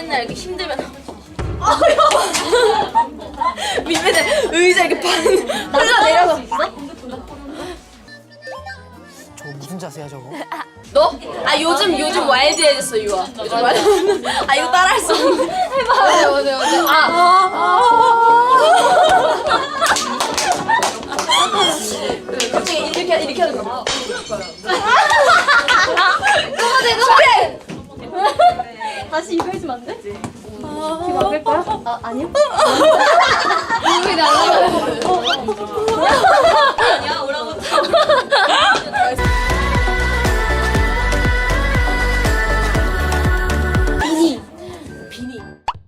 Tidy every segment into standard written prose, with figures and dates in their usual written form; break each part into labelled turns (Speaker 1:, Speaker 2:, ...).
Speaker 1: 맨날 이렇게 힘들면 밑에 의자 이렇게 반 흘러내려서
Speaker 2: 저거 무슨 자세야 저거?
Speaker 1: 너? 아 요즘 와일드해졌어 유아. 요즘 와일드. 아 이거 따라할 수 없는데. 해봐. 어제. 갑자기 이렇게 하는 거. 그래.
Speaker 3: 다시 이거 해주면 안 돼? 귀 막을 거야? 아, 아니요? 이게 날라가.
Speaker 1: 아니야 오라부터. 비니.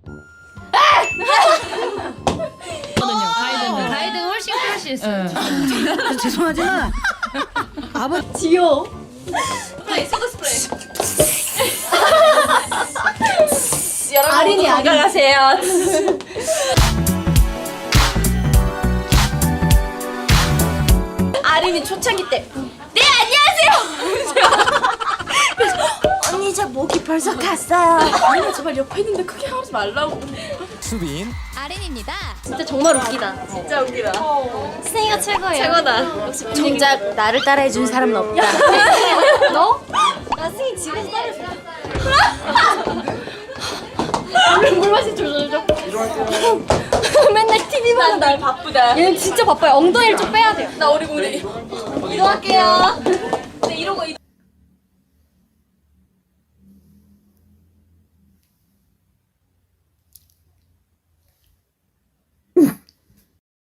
Speaker 3: 가이드는 훨씬 크러쉬했어요.
Speaker 2: 죄송하지만
Speaker 3: 지효.
Speaker 1: 스프레이 소드 스프레이. 여러분
Speaker 3: 아린이,
Speaker 1: 모두 건강하세요. 아린이 초창기 때. 네 안녕하세요. 언니 저 목이 벌써 갔어요. 아니 제발 옆에 있는데 크게 하지 말라고.
Speaker 4: 수빈
Speaker 3: 아린입니다. 진짜 정말 웃기다.
Speaker 1: 진짜 웃기다.
Speaker 3: 스네이가 최고예요.
Speaker 1: 최고다. 역시 정작 나를 따라해준 사람은 없다.
Speaker 3: 너? 나 스네이 집에서 따라줘. 물 마시 조절죠. 맨날 TV만
Speaker 1: 날 바쁘다.
Speaker 3: 얘는 진짜 바빠요. 엉덩이를 좀 빼야 돼요.
Speaker 1: 나 어리공대. 이동할게요. 네 이러고